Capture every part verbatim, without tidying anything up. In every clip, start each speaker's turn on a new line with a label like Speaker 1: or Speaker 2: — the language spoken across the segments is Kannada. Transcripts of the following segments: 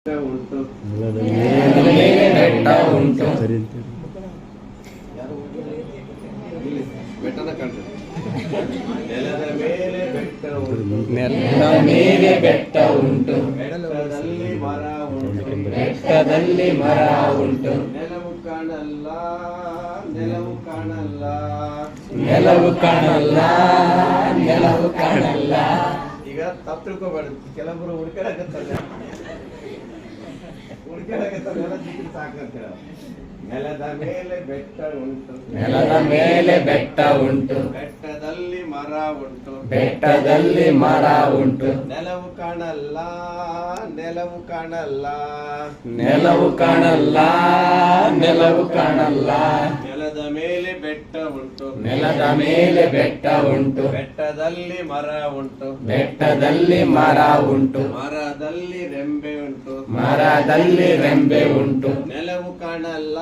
Speaker 1: ಉಂಟು
Speaker 2: ಬೆಟ್ಟ ಉಂಟು
Speaker 1: ಬೆಟ್ಟನ ಕಾಣ್ತದೆ. ನೆಲದ ಮೇಲೆ ಬೆಟ್ಟ ಉಂಟು
Speaker 2: ನೆಲದ ಮೇಲೆ ಬೆಟ್ಟ ಉಂಟು
Speaker 1: ಬೆಟ್ಟದಲ್ಲಿ ಮರ ಉಂಟು
Speaker 2: ಬೆಟ್ಟದಲ್ಲಿ ಮರ ಉಂಟು
Speaker 1: ನೆಲವು ಕಾಣಲ್ಲ ನೆಲವು ಕಾಣಲ್ಲ
Speaker 2: ನೆಲವು ಕಾಣಲ್ಲ ನೆಲವು ಕಾಣಲ್ಲ.
Speaker 1: ಈಗ ತಪ್ಪು ತಿಳ್ಕೊಬಾರ್ದು. ಕೆಲವರು ಹುಡ್ಕಾಡಕತ್ತಲ್ಲ ಹುಡ್ಕಾಡಕತ್ತಲ್ಲ ನೆಲ ಸಿಕ್ಕಿದ್ರೆ ಸಾಕಂತ. ನೆಲದ ಮೇಲೆ ಬೆಟ್ಟ ಉಂಟು
Speaker 2: ನೆಲದ ಮೇಲೆ ಬೆಟ್ಟ ಉಂಟು
Speaker 1: ಬೆಟ್ಟದಲ್ಲಿ ಮರ ಉಂಟು
Speaker 2: ಬೆಟ್ಟದಲ್ಲಿ ಮರ ಉಂಟು
Speaker 1: ನೆಲವು ಕಾಣಲ್ಲ ನೆಲವು ಕಾಣಲ್ಲ
Speaker 2: ನೆಲವು ಕಾಣಲ್ಲ ನೆಲವು ಕಾಣಲ್ಲ.
Speaker 1: ನೆಲದ ಮೇಲೆ ಬೆಟ್ಟ ಉಂಟು
Speaker 2: ನೆಲದ ಮೇಲೆ ಬೆಟ್ಟ ಉಂಟು
Speaker 1: ಬೆಟ್ಟದಲ್ಲಿ ಮರ ಉಂಟು
Speaker 2: ಬೆಟ್ಟದಲ್ಲಿ ಮರ ಉಂಟು
Speaker 1: ಮರದಲ್ಲಿ ರೆಂಬೆ ಉಂಟು
Speaker 2: ಮರದಲ್ಲಿ ರೆಂಬೆ ಉಂಟು.
Speaker 1: ನೆಲವು ಕಾಣಲ್ಲ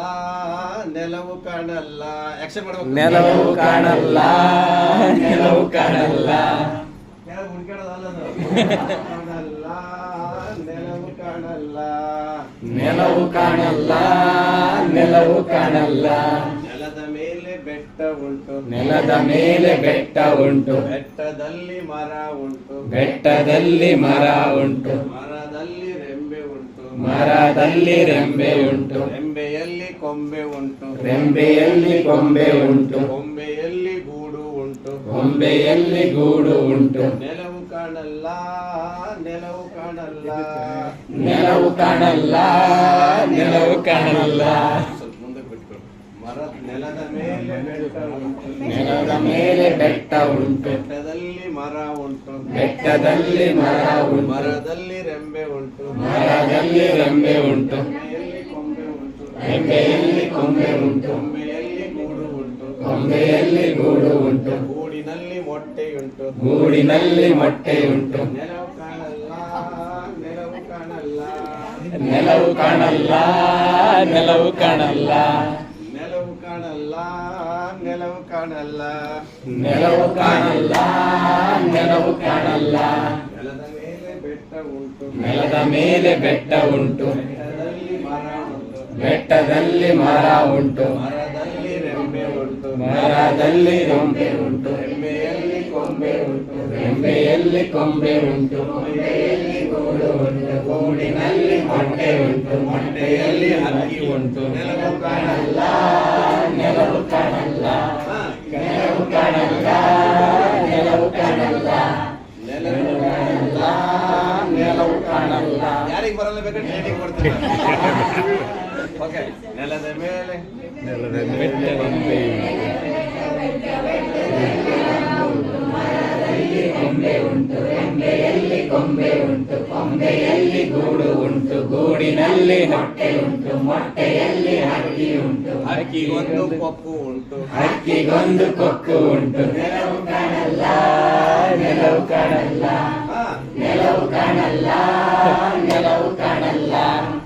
Speaker 1: ನೆಲವು ಕಾಣಲ್ಲ. ಆಕ್ಷನ್ ಮಾಡ್ಬೇಕು.
Speaker 2: ನೆಲವು ಕಾಣಲ್ಲ ನೆಲವು ಕಾಣಲ್ಲ.
Speaker 1: ನೆಲವು ಹುಡ್ಕಾಡೋದಲ್ಲ ಅದು. ಕಾಣಲ್ಲ ನೆಲವು ಕಾಣಲ್ಲ
Speaker 2: ನೆಲವು ಕಾಣಲ್ಲ ನೆಲವು ಕಾಣಲ್ಲ.
Speaker 1: ನೆಲದ ಮೇಲೆ ಬೆಟ್ಟ ಉಂಟು
Speaker 2: ನೆಲದ ಮೇಲೆ ಬೆಟ್ಟ ಉಂಟು
Speaker 1: ಬೆಟ್ಟದಲ್ಲಿ ಮರ ಉಂಟು
Speaker 2: ಬೆಟ್ಟದಲ್ಲಿ ಮರ ಉಂಟು
Speaker 1: ಮರದಲ್ಲಿ ರೆಂಬೆ ಉಂಟು
Speaker 2: ಮರದಲ್ಲಿ ರೆಂಬೆ ಉಂಟು
Speaker 1: ರೆಂಬೆಯಲ್ಲಿ ಕೊಂಬೆ ಉಂಟು
Speaker 2: ರೆಂಬೆಯಲ್ಲಿ ಕೊಂಬೆ ಉಂಟು
Speaker 1: ಕೊಂಬೆಯಲ್ಲಿ ಗೂಡು ಉಂಟು
Speaker 2: ಕೊಂಬೆಯಲ್ಲಿ ಗೂಡು ಉಂಟು.
Speaker 1: ನೆಲವು ಕಾಣಲ್ಲ ನೆಲವು ಕಾಣಲ್ಲ
Speaker 2: ನೆಲವು ಕಾಣಲ್ಲ ನೆಲವು ಕಾಣಲ್ಲ.
Speaker 1: ಸ್ವಲ್ಪ ಮುಂದಕ್ಕೆ ಬಿಟ್ಕೊಡು. ಮರ ನೆಲದ ಮೇಲೆ ಬೆಟ್ಟ ಉಂಟು
Speaker 2: ನೆಲದ ಮೇಲೆ ಬೆಟ್ಟ ಉಂಟು
Speaker 1: ಬೆಟ್ಟದಲ್ಲಿ ಮರ ಉಂಟು
Speaker 2: ಬೆಟ್ಟದಲ್ಲಿ ಮರ ಉಂಟು
Speaker 1: ಮರದಲ್ಲಿ ರೆಂಬೆ ಉಂಟು
Speaker 2: ಮರದಲ್ಲಿ ರೆಂಬೆ ಉಂಟು
Speaker 1: ರೆಂಬೆಯಲ್ಲಿ ಕೊಂಬೆ ಉಂಟು
Speaker 2: ರೆಂಬೆಯಲ್ಲಿ ಕೊಂಬೆ ಉಂಟು
Speaker 1: ಕೊಂಬೆಯಲ್ಲಿ ಗೂಡು ಉಂಟು
Speaker 2: ಕೊಂಬೆಯಲ್ಲಿ ಗೂಡು ಉಂಟು
Speaker 1: ಗೂಡಿನಲ್ಲಿ ಮೊಟ್ಟೆಯುಂಟು
Speaker 2: ಗೂಡಿನಲ್ಲಿ ಮೊಟ್ಟೆಯುಂಟು.
Speaker 1: ನೆಲವು ಕಾಣಲ್ಲ ನೆಲವು ಕಾಣಲ್ಲ
Speaker 2: ನೆಲವು ಕಾಣಲ್ಲ ನೆಲವು ಕಾಣಲ್ಲ.
Speaker 1: ನೆಲವು ಕಾಣಲ್ಲ ನೆಲವು ಕಾಣಲ್ಲ
Speaker 2: ನೆಲವು ಕಾಣಲ್ಲ ನೆಲವು ಕಾಣಲ್ಲ.
Speaker 1: ನೆಲದ ಮೇಲೆ ಬೆಟ್ಟ ಉಂಟು
Speaker 2: ನೆಲದ ಮೇಲೆ ಬೆಟ್ಟ ಉಂಟು
Speaker 1: ಬೆಟ್ಟದಲ್ಲಿ ಮರ ಉಂಟು
Speaker 2: ಬೆಟ್ಟದಲ್ಲಿ ಮರ ಉಂಟು
Speaker 1: ಮರದಲ್ಲಿ ರೆಂಬೆ ಉಂಟು
Speaker 2: ಮರದಲ್ಲಿ ರೆಂಬೆ ಉಂಟು
Speaker 1: ರೆಂಬೆಯಲ್ಲಿ ಕೊಂಬೆ ಉಂಟು
Speaker 2: ರೆಂಬೆಯಲ್ಲಿ ಕೊಂಬೆ ಉಂಟು ಕೊಂಬೆಯಲ್ಲಿ ಗೂಡು ಉಂಟು ಗೂಡಿನಲ್ಲಿ ಮೊಟ್ಟೆ ಉಂಟು ಮೊಟ್ಟೆಯಲ್ಲಿ ಹಕ್ಕಿ ಉಂಟು. ನೆಲವು ಕಾಣಲ್ಲ ನೆಲವು ಕಾಣಲ್ಲ
Speaker 1: ಹಾ,
Speaker 2: ನೆಲವು ಕಾಣಲ್ಲ ನೆಲವು ಕಾಣಲ್ಲ
Speaker 1: ನೆಲವು
Speaker 2: ಕಾಣಲ್ಲ ನೆಲವು ಕಾಣಲ್ಲ.
Speaker 1: ಯಾರಿಗೆ ಬರಲ್ಲ ಬೇಕಾದ್ರೆ ಟ್ರೈನಿಂಗ್ ಕೊಡ್ತೀನಿ. ಓಕೆ. ನೆಲದ ಮೇಲೆ
Speaker 2: ನೆಲದ ಮೇಲೆ ಕೊಂಬೆ ಕೊಂಬೆ ಉಂಟು ರೆಂಬೆಯಲ್ಲಿ ಕೊಂಬೆ ಉಂಟು ಕೊಂಬೆಯಲ್ಲಿ ಗೂಡು ಉಂಟು ಗೂಡಿನಲ್ಲಿ ಮೊಟ್ಟೆ ಉಂಟು ಮೊಟ್ಟೆಯಲ್ಲಿ ಹಕ್ಕಿ ಉಂಟು
Speaker 1: ಹಕ್ಕಿಗೊಂದು ಕೊಕ್ಕು ಉಂಟು
Speaker 2: ಹಕ್ಕಿಗೊಂದು ಕೊಕ್ಕು ಉಂಟು. ನೆಲವು ಕಾಣಲ್ಲ ನೆಲವು ಕಾಣಲ್ಲ
Speaker 1: ಹಾ,
Speaker 2: ನೆಲವು ಕಾಣಲ್ಲ ನೆಲವು ಕಾಣಲ್ಲ.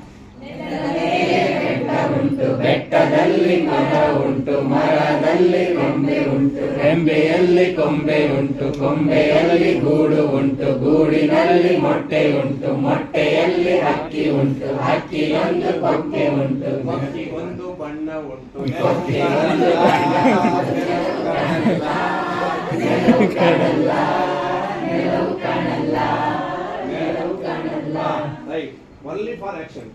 Speaker 2: ಬೆಟ್ಟ ಉಂಟು ಬೆಟ್ಟದಲ್ಲಿ ಮರ ಉಂಟು ಮರದಲ್ಲಿ ಕೊಂಬೆ ಉಂಟು ರೆಂಬೆಯಲ್ಲಿ ಕೊಂಬೆ ಉಂಟು ಕೊಂಬೆಯಲ್ಲಿ ಗೂಡು ಉಂಟು ಗೂಡಿನಲ್ಲಿ ಮೊಟ್ಟೆ ಉಂಟು ಮೊಟ್ಟೆಯಲ್ಲಿ ಹಕ್ಕಿ ಉಂಟು ಹಕ್ಕಿಯೊಂದು ಕೊಕ್ಕೆ ಉಂಟು
Speaker 1: ಹಕ್ಕಿಗೊಂದು ಬಣ್ಣ ಉಂಟು.
Speaker 2: ಕೊಕ್ಕೆಗೊಂದು ಬಣ್ಣ. ನೆಲವು ಕಾಣಲ್ಲ ನೆಲವು ಕಾಣಲ್ಲ ನೆಲವು ಕಾಣಲ್ಲ.
Speaker 1: ರೈಟ್. Only for action.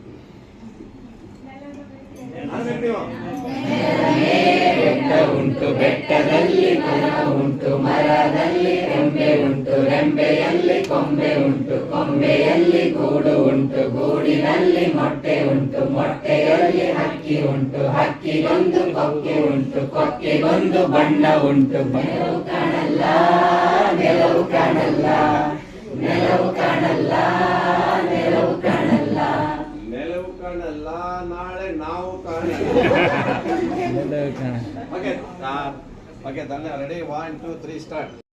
Speaker 2: ಬೆಟ್ಟ ಉಂಟು ಬೆಟ್ಟದಲ್ಲಿ ಮರ ಉಂಟು ಮರದಲ್ಲಿ ರೆಂಬೆ ಉಂಟು ರೆಂಬೆಯಲ್ಲಿ ಕೊಂಬೆ ಉಂಟು ಕೊಂಬೆಯಲ್ಲಿ ಗೂಡು ಉಂಟು ಗೂಡಿನಲ್ಲಿ ಮೊಟ್ಟೆ ಉಂಟು ಮೊಟ್ಟೆಯಲ್ಲಿ ಹಕ್ಕಿ ಉಂಟು ಹಕ್ಕಿಗೊಂದು ಕೊಕ್ಕೆ ಉಂಟು ಕೊಕ್ಕೆಗೊಂದು ಬಣ್ಣ ಉಂಟು. ನೆಲವು ಕಾಣಲ್ಲ ನೆಲವು ಕಾಣಲ್ಲ ನೆಲವು ಕಾಣಲ್ಲ ನೆಲವು ಕಾಣಲ್ಲ
Speaker 1: ನೆಲವು ಕಾಣಲ್ಲ ನಾಳೆ ನಾವು ಕಾಣಲ್ಲ. ಓಕೆ ಓಕೆ ತಾನೆ ready. One two three start.